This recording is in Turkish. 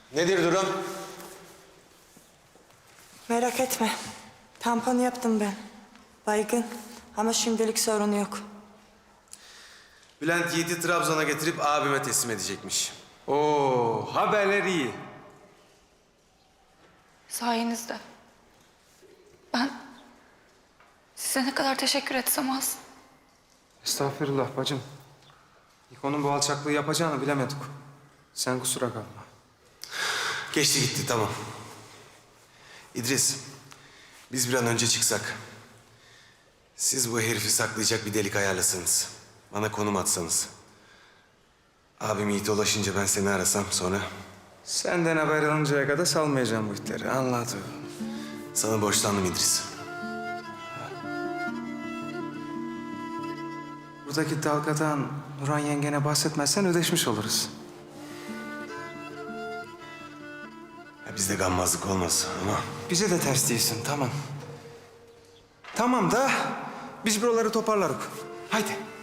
Nedir durum? Merak etme. Tampon yaptım ben. Baygın ama şimdilik sorun yok. Bülent Yiğit'i Trabzon'a getirip abime teslim edecekmiş. Oo, haberler iyi. Sayenizde. Ben size ne kadar teşekkür etsem az. Estağfurullah bacım. İkonun bu alçaklığı yapacağını bilemedik. Sen kusura kalma. Geçti gitti, tamam. İdris, biz bir an önce çıksak. Siz bu herifi saklayacak bir delik ayarlasanız. Bana konum atsanız. Abim Yiğit'e ulaşınca ben seni arasam sonra... Senden haber alıncaya kadar salmayacağım bu itleri. Anladım. Sana borçlandım İdris. Buradaki dalgadan Nurhan yengene bahsetmezsen ödeşmiş oluruz. Ya bizde gammazlık olmaz ama... Bize de ters değilsin, tamam. Tamam da biz buraları toparlarız. Haydi.